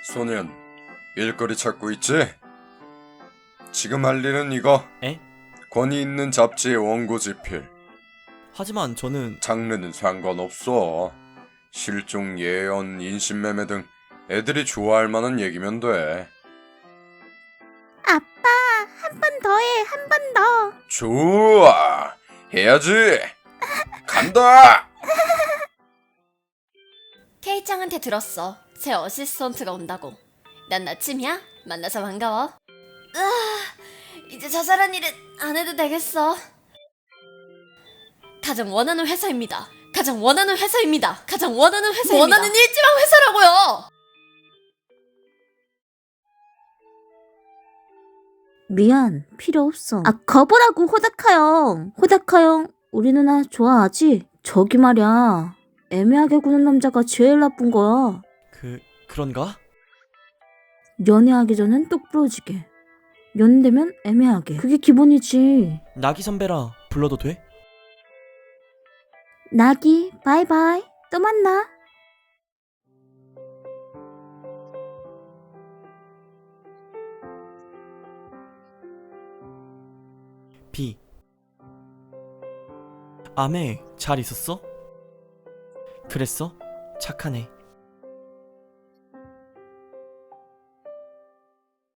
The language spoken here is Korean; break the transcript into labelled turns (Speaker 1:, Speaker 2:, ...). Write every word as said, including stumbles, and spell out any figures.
Speaker 1: 소년, 일거리 찾고 있지? 지금 할 일은 이거.
Speaker 2: 에?
Speaker 1: 권위 있는 잡지의 원고 집필.
Speaker 2: 하지만 저는
Speaker 1: 장르는 상관없어. 실종, 예언, 인신매매 등 애들이 좋아할 만한 얘기면 돼.
Speaker 3: 아빠, 한 번 더 해, 한 번 더.
Speaker 1: 좋아, 해야지. 간다.
Speaker 4: 케이짱한테 들었어. 새 어시스턴트가 온다고. 난 나침이야? 만나서 반가워. 으아, 이제 자잘한 일은 안 해도 되겠어. 가장 원하는 회사입니다. 가장 원하는 회사입니다. 가장 원하는 회사입니다. 원하는 일지망 회사라고요.
Speaker 3: 미안, 필요 없어. 아, 거보라고, 호다카 형. 호다카 형, 우리 누나 좋아하지? 저기 말이야. 애매하게 구는 남자가 제일 나쁜 거야.
Speaker 2: 그 그런가?
Speaker 3: 연애하기 전엔 똑부러지게. 연애되면 애매하게. 그게 기본이지.
Speaker 2: 나기 선배라 불러도 돼?
Speaker 3: 나기, 바이바이. 또 만나.
Speaker 2: 비. 아메, 잘 있었어? 그랬어? 착하네.